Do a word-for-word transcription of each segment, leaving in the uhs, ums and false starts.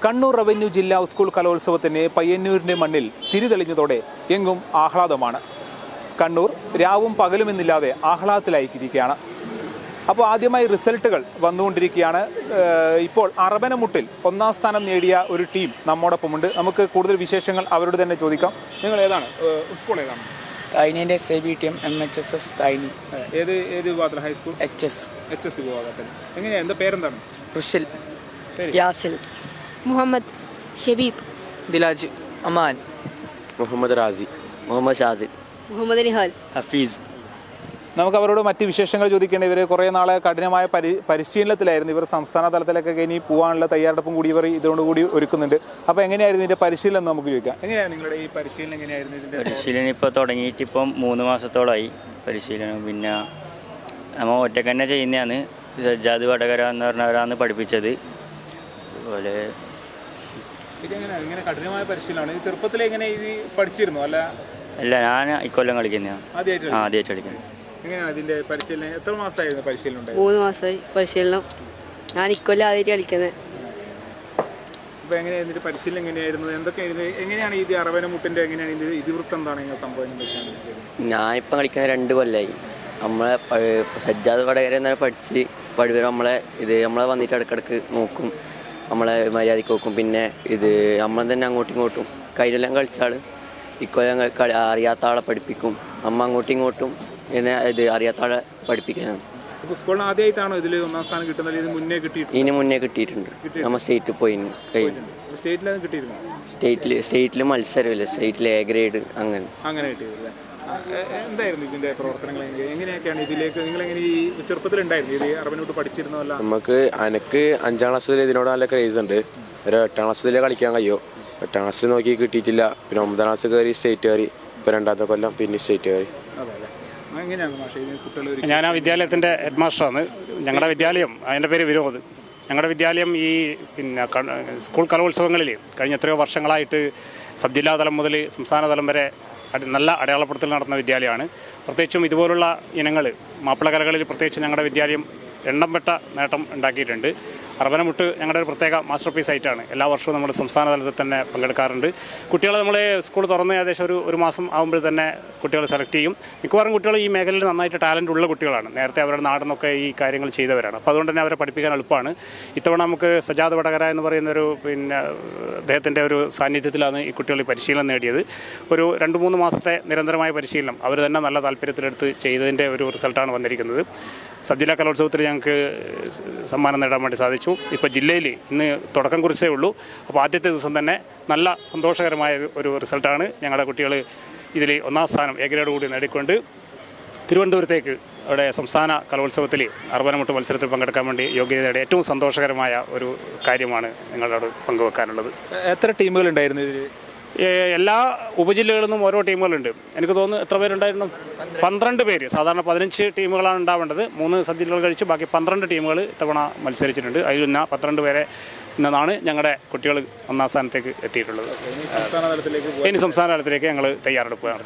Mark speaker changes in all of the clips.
Speaker 1: Kannur revenue ജില്ലാ school കലോത്സവത്തിന് പയ്യന്നൂരിൻ്റെ മണ്ണിൽ തിരിതെളിഞ്ഞതോടെ എങ്ങും ആഹ്ലാദമാണ്. കണ്ണൂർ രാവും പകലുമെന്നില്ലാതെ ആഹ്ലാദത്തിലായിരിക്കുകയാണ്. അപ്പോൾ ആദ്യമായി റിസൾട്ടുകൾ വന്നുകൊണ്ടിരിക്കുകയാണ്. ഇപ്പോൾ അറബനമുട്ടിൽ ഒന്നാം സ്ഥാനം നേടിയ ഒരു ടീം നമ്മോടൊപ്പമുണ്ട്. നമുക്ക് കൂടുതൽ വിശേഷങ്ങൾ അവരോട് തന്നെ ചോദിക്കാം. നിങ്ങൾ ഏതാണ് സ്കൂൾ ഏതാണ്?
Speaker 2: തൈനിൻ്റെ S I B T M M H S S തൈനി.
Speaker 1: ഏത് ഏത് വിഭാഗത്തിൽ? High school
Speaker 2: H S
Speaker 1: H S വിഭാഗത്തിൽ. എങ്ങനെയാണ്? എന്താ പേരെന്താണ്?
Speaker 2: റുഷിൽ, യാസിൽ,
Speaker 3: മുഹമ്മദ്, ഷബീബ്,
Speaker 2: ദിലാജ്, അമാൻ,
Speaker 4: മുഹമ്മദ് റാസി,
Speaker 2: മുഹമ്മദ് ഷാസിൽ,
Speaker 3: മുഹമ്മദ് നിഹാൽ,
Speaker 2: ഹഫീസ്.
Speaker 1: നമുക്ക് അവരോട് മറ്റ് വിശേഷങ്ങൾ ചോദിക്കേണ്ട. ഇവർ കുറേ നാളെ കഠിനമായ പരി പരിശീലനത്തിലായിരുന്നു. ഇവർ സംസ്ഥാന തലത്തിലേക്കൊക്കെ ഇനി പോകാനുള്ള തയ്യാറെടുപ്പും കൂടി ഇവർ ഇതോടുകൂടി ഒരുക്കുന്നുണ്ട്. അപ്പോൾ എങ്ങനെയായിരുന്നു ഇതിൻ്റെ പരിശീലനം എന്ന് നമുക്ക് ചോദിക്കാം. എങ്ങനെയാണ് നിങ്ങളുടെ ഈ പരിശീലനം? എങ്ങനെയായിരുന്നു ഇതിൻ്റെ
Speaker 5: പരിശീലനം? ഇപ്പോൾ തുടങ്ങിയിട്ട് ഇപ്പം മൂന്ന് മാസത്തോളമായി പരിശീലനം. പിന്നെ നമ്മൾ ഒറ്റക്ക് തന്നെ ചെയ്യുന്നതാണ്. സജ്ജാദ് വടകര എന്ന് പറഞ്ഞവരാണ് പഠിപ്പിച്ചത്. അതുപോലെ
Speaker 1: ഇതെങ്ങനെയാണ്? ഇങ്ങനെ കഠിനമായ പരിശീലനമാണ്. ഇത് ചെറുപ്പത്തിൽ എങ്ങനെ ഇത് പഠിച്ചിരുന്നു? അല്ല
Speaker 5: അല്ല, ഞാൻ ഇക്കൊല്ലം കളിക്കുന്നതാണ്.
Speaker 1: ആദ്യമായിട്ട്
Speaker 5: ആദ്യമായിട്ട് കളിക്കുന്നത്.
Speaker 1: എങ്ങനെയാണ് ഇതിൻ്റെ പരിശീലനം? എത്ര മാസമായിരുന്നു പരിശീലനം ഉണ്ടായത്?
Speaker 3: മൂന്ന് മാസമായി പരിശീലനം. ഞാൻ ഇക്കൊല്ലം ആദ്യമായിട്ട് കളിക്കുന്നത്.
Speaker 1: അപ്പോൾ എങ്ങനെയാണ് ഇതിൻ്റെ പരിശീലനം എങ്ങനെയായിരുന്നു? എന്തൊക്കെയായിരുന്നു? എങ്ങനെയാണ് ഇത് അറബനമുട്ടിൻ്റെ എങ്ങനെയാണ് ഇത് ഇതിവൃത്തം എന്താണ് ഇങ്ങനെ സംഭവം?
Speaker 6: ഞാനിപ്പം കളിക്കുന്നത് രണ്ട് കൊല്ലമായി. നമ്മളെ സജ്ജാദ് വടകര എന്നാണ് പഠിച്ച് പഠിപ്പവർ നമ്മളെ ഇത് നമ്മളെ വന്നിട്ട് ഇടയ്ക്കിടയ്ക്ക് നോക്കും, നമ്മളെ മര്യാദയ്ക്ക് നോക്കും. പിന്നെ ഇത് നമ്മൾ തന്നെ അങ്ങോട്ടും ഇങ്ങോട്ടും കയ്യിലെല്ലാം കളിച്ചാൾ ഇക്കൊല്ലം കളി അറിയാത്ത ആളെ പഠിപ്പിക്കും. അമ്മ അങ്ങോട്ടും ഇങ്ങോട്ടും പിന്നെ ഇത് അറിയാത്ത ആളെ പഠിപ്പിക്കാനാണ്.
Speaker 1: സ്കൂളിൽ ആദ്യമായിട്ടാണോ ഇതിൽ ഒന്നാം സ്ഥാനം കിട്ടുന്നത്? ഇതിന് മുന്നേ കിട്ടിയിട്ടുണ്ട്?
Speaker 6: ഇതിന് മുന്നേ കിട്ടിയിട്ടുണ്ട്. നമ്മൾ സ്റ്റേറ്റിൽ പോയി കഴിഞ്ഞു.
Speaker 1: സ്റ്റേറ്റിൽ കിട്ടിയിരുന്നു?
Speaker 6: സ്റ്റേറ്റിൽ സ്റ്റേറ്റിൽ മത്സരമില്ല, സ്റ്റേറ്റിൽ എ ഗ്രേഡ് അങ്ങനെ
Speaker 1: അങ്ങനെ കിട്ടിയതല്ലേ? എന്തായിരുന്നു ഇതിൻ്റെ പ്രവർത്തനങ്ങൾ? എങ്ങനെയൊക്കെയാണ് ഇതിലേക്ക് നിങ്ങളെങ്ങനെ ഈ ചെറുപ്പത്തിലുണ്ടായിരുന്നു ഇത് അറബനോട്ട് പഠിച്ചിരുന്നതല്ല?
Speaker 4: നമുക്ക് എനിക്ക് അഞ്ചാം ക്ലാസ് വരെ ഇതിനോട് നല്ല ക്രേസ് ഉണ്ട്. ഒരു എട്ടാം ക്ലാസ് വരെ കളിക്കാൻ കഴിയോ. എട്ടാം ക്ലാസ്സിൽ നോക്കി കിട്ടിയിട്ടില്ല. പിന്നെ ഒമ്പതാം ക്ലാസ് കയറി സ്റ്റേറ്റ് കയറി. ഇപ്പോൾ രണ്ടാമത്തെ കൊല്ലം പിന്നെ സ്റ്റേറ്റ് കയറി.
Speaker 7: ഞാൻ ആ വിദ്യാലയത്തിൻ്റെ ഹെഡ് മാസ്റ്ററാണ്. ഞങ്ങളുടെ വിദ്യാലയം, അതിൻ്റെ പേര് വിരോധ്. ഞങ്ങളുടെ വിദ്യാലയം ഈ പിന്നെ സ്കൂൾ കലോത്സവങ്ങളിൽ കഴിഞ്ഞ എത്രയോ വർഷങ്ങളായിട്ട് സബ് ജില്ലാ തലം മുതൽ സംസ്ഥാന തലം വരെ നല്ല അടയാളപ്പെടുത്തൽ നടത്തുന്ന വിദ്യാലയമാണ്. പ്രത്യേകിച്ചും ഇതുപോലുള്ള ഇനങ്ങൾ മാപ്പിളകലകളിൽ പ്രത്യേകിച്ച് ഞങ്ങളുടെ വിദ്യാലയം എണ്ണം പെട്ട നേട്ടം ഉണ്ടാക്കിയിട്ടുണ്ട്. അറബനമുട്ട് ഞങ്ങളുടെ ഒരു പ്രത്യേക മാസ്റ്റർ പീസ് ആയിട്ടാണ്. എല്ലാ വർഷവും നമ്മുടെ സംസ്ഥാന തലത്തിൽ തന്നെ പങ്കെടുക്കാറുണ്ട്. കുട്ടികൾ നമ്മൾ സ്കൂൾ തുറന്ന് ഏകദേശം ഒരു ഒരു മാസം ആകുമ്പോൾ തന്നെ കുട്ടികൾ സെലക്ട് ചെയ്യും. മിക്കവാറും കുട്ടികൾ ഈ മേഖലയിൽ നന്നായിട്ട് ടാലൻ്റ് ഉള്ള കുട്ടികളാണ്. നേരത്തെ അവരുടെ നാടിനൊക്കെ ഈ കാര്യങ്ങൾ ചെയ്തവരാണ്. അപ്പോൾ അതുകൊണ്ട് തന്നെ അവരെ പഠിപ്പിക്കാൻ എളുപ്പമാണ്. ഇത്തവണ നമുക്ക് സജാദ് വടകര എന്ന് പറയുന്നൊരു പിന്നെ അദ്ദേഹത്തിൻ്റെ ഒരു സാന്നിധ്യത്തിലാണ് ഈ കുട്ടികൾ പരിശീലനം നേടിയത്. ഒരു രണ്ട് മൂന്ന് മാസത്തെ നിരന്തരമായ പരിശീലനം അവർ തന്നെ നല്ല താല്പര്യത്തിലെടുത്ത് ചെയ്തതിൻ്റെ ഒരു റിസൾട്ടാണ് വന്നിരിക്കുന്നത്. സബ് ജില്ലാ കലോത്സവത്തിൽ ഞങ്ങൾക്ക് സമ്മാനം നേടാൻ വേണ്ടി സാധിച്ചു. ഇപ്പോൾ ജില്ലയിൽ ഇന്ന് തുടക്കം കുറിച്ചേ ഉള്ളൂ. അപ്പോൾ ആദ്യത്തെ ദിവസം തന്നെ നല്ല സന്തോഷകരമായ ഒരു റിസൾട്ടാണ്. ഞങ്ങളുടെ കുട്ടികൾ ഇതിൽ ഒന്നാം സ്ഥാനം എ ഗ്രേഡ് കൂടി നേടിക്കൊണ്ട് തിരുവനന്തപുരത്തേക്ക് അവിടെ സംസ്ഥാന കലോത്സവത്തിൽ അറബനമുട്ട് മത്സരത്തിൽ പങ്കെടുക്കാൻ വേണ്ടി യോഗ്യത നേടിയ ഏറ്റവും സന്തോഷകരമായ ഒരു കാര്യമാണ് നിങ്ങളോട് പങ്കുവെക്കാനുള്ളത്.
Speaker 1: എത്ര ടീമുകളുണ്ടായിരുന്നു ഇതിൽ?
Speaker 7: എല്ലാ ഉപജില്ലകളിൽ നിന്നും ഓരോ ടീമുകളുണ്ട്. എനിക്ക് തോന്നുന്നു എത്ര പേരുണ്ടായിരുന്നു? പന്ത്രണ്ട് പേര്. സാധാരണ പതിനഞ്ച് ടീമുകളാണ് ഉണ്ടാവേണ്ടത്. മൂന്ന് സബ് ജില്ലകൾ കഴിച്ച് ബാക്കി പന്ത്രണ്ട് ടീമുകൾ ഇത്തവണ മത്സരിച്ചിട്ടുണ്ട്. അതിൽ നിന്ന് പന്ത്രണ്ട് പേരെ ഇന്നാണ് ഞങ്ങളുടെ കുട്ടികൾ ഒന്നാം സ്ഥാനത്തേക്ക് എത്തിയിട്ടുള്ളത്. ഇനി സംസ്ഥാന തലത്തിലേക്ക് ഞങ്ങൾ തയ്യാറെടുക്കുകയാണ്.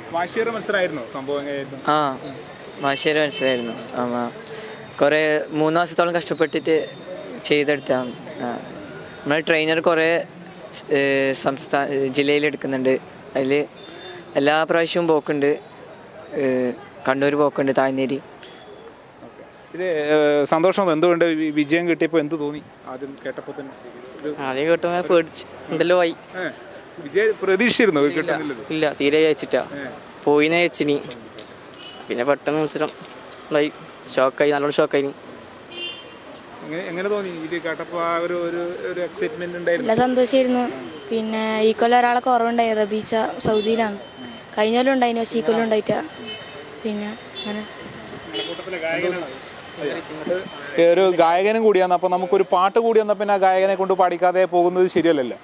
Speaker 2: ആ മാഷേര മത്സരമായിരുന്നു. കുറേ മൂന്ന് മാസത്തോളം കഷ്ടപ്പെട്ടിട്ട് ചെയ്തെടുത്താണ്. നമ്മൾ ട്രെയിനർ കുറേ സംസ്ഥാന ജില്ലയിലെടുക്കുന്നുണ്ട്. അതിൽ എല്ലാ പ്രാവശ്യവും പോക്കുണ്ട്. കണ്ണൂർ പോക്കുണ്ട്, താഴ്ന്നേരി.
Speaker 1: ഇത് സന്തോഷം എന്തുകൊണ്ട് വിജയം കിട്ടിയപ്പോൾ എന്ത് തോന്നി? ആദ്യം കേട്ടപ്പോൾ തന്നെ
Speaker 2: ആദ്യം കേട്ടപ്പോൾ പേടിച്ച് എന്തെല്ലോ ആയി.
Speaker 1: വിജയം പ്രതീക്ഷിച്ചിരുന്നു?
Speaker 2: ഇല്ല, തീരെ അയച്ചിട്ടാ പോയിനെ അയച്ചിനി. പിന്നെ പെട്ടെന്ന് മത്സരം ആയി, ഷോക്കായി, നല്ലോണം ഷോക്കായി.
Speaker 1: എങ്ങനെ തോന്നി ഇത് കേട്ടപ്പോൾ? ആ ഒരു ഒരു എക്സൈറ്റ്മെന്റ് ഉണ്ടായിരുന്നു?
Speaker 8: നല്ല സന്തോഷമായിരുന്നു. പിന്നെ ഈ കൊല്ലം ഒരാളെ കുറവുണ്ടായി, റബീച്ച സൗദിയിലാണ്. കഴിഞ്ഞ കൊല്ലം ഉണ്ടായിരുന്നു, പക്ഷേ ഈ കൊല്ലം ഉണ്ടായിട്ടാ. പിന്നെ അങ്ങനെ
Speaker 1: ഒരു ഗായകനും കൂടിയാണ്. അപ്പോൾ നമുക്കൊരു പാട്ട് കൂടി വന്നാൽ പിന്നെ ആ ഗായകനെ കൊണ്ട് പാടിക്കാതെ പോകുന്നത് ശരിയല്ലല്ലോ.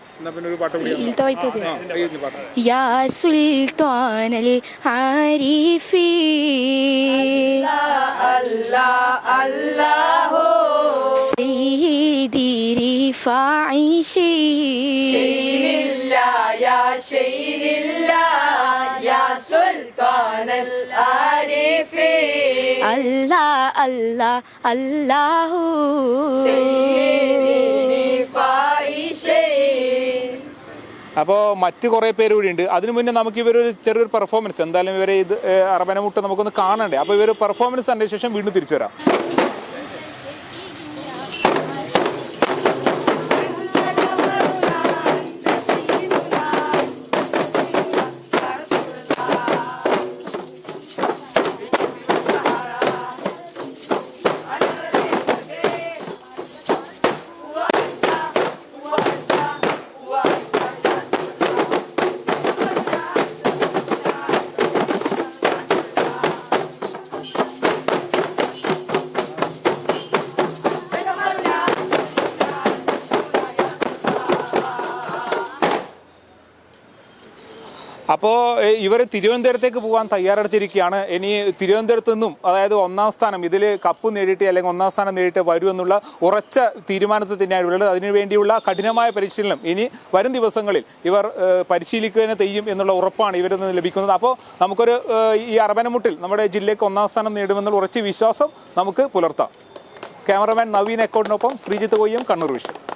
Speaker 8: യാ സുൽത്താനൽ ആരിഫീ അല്ലാഹ് അല്ലാഹു സയ്യിദി റിഫാഇ ശൈനില്ലാ യാ ശൈനില്ലാ യാ സുൽത്താനൽ ആരിഫീ അല്ലാഹ് അല്ലാഹ് അല്ലാഹു സയ്യിദി റിഫാഇ ശൈനി
Speaker 1: അപ്പോൾ മറ്റ് കുറേ പേര് കൂടി ഉണ്ട്. അതിനു മുന്നേ നമുക്ക് ഇവരൊരു ചെറിയൊരു പെർഫോമൻസ് എന്തായാലും ഇവരെ ഇത് അറബനമുട്ട് നമുക്കൊന്ന് കാണണ്ടേ. അപ്പോൾ ഇവർ പെർഫോമൻസ് കണ്ട ശേഷം വീണ്ടും തിരിച്ചു വരാം. അപ്പോൾ ഇവർ തിരുവനന്തപുരത്തേക്ക് പോകാൻ തയ്യാറെടുത്തിരിക്കുകയാണ്. ഇനി തിരുവനന്തപുരത്ത് നിന്നും അതായത് ഒന്നാം സ്ഥാനം ഇതിൽ കപ്പ് നേടിയിട്ട് അല്ലെങ്കിൽ ഒന്നാം സ്ഥാനം നേടിയിട്ട് വരുമെന്നുള്ള ഉറച്ച തീരുമാനത്തിൽ തന്നെയാണ് ഉള്ളത്. അതിനുവേണ്ടിയുള്ള കഠിനമായ പരിശീലനം ഇനി വരും ദിവസങ്ങളിൽ ഇവർ പരിശീലിക്കുക തെയ്യും എന്നുള്ള ഉറപ്പാണ് ഇവരിൽ നിന്ന് ലഭിക്കുന്നത്. അപ്പോൾ നമുക്കൊരു ഈ അറബനമുട്ടിൽ നമ്മുടെ ജില്ലയ്ക്ക് ഒന്നാം സ്ഥാനം നേടുമെന്നുള്ള ഉറച്ച വിശ്വാസം നമുക്ക് പുലർത്താം. ക്യാമറമാൻ നവീൻ എക്കോടിനൊപ്പം ശ്രീജിത്ത് കൊയ്യം, കണ്ണൂർ വിഷൻ.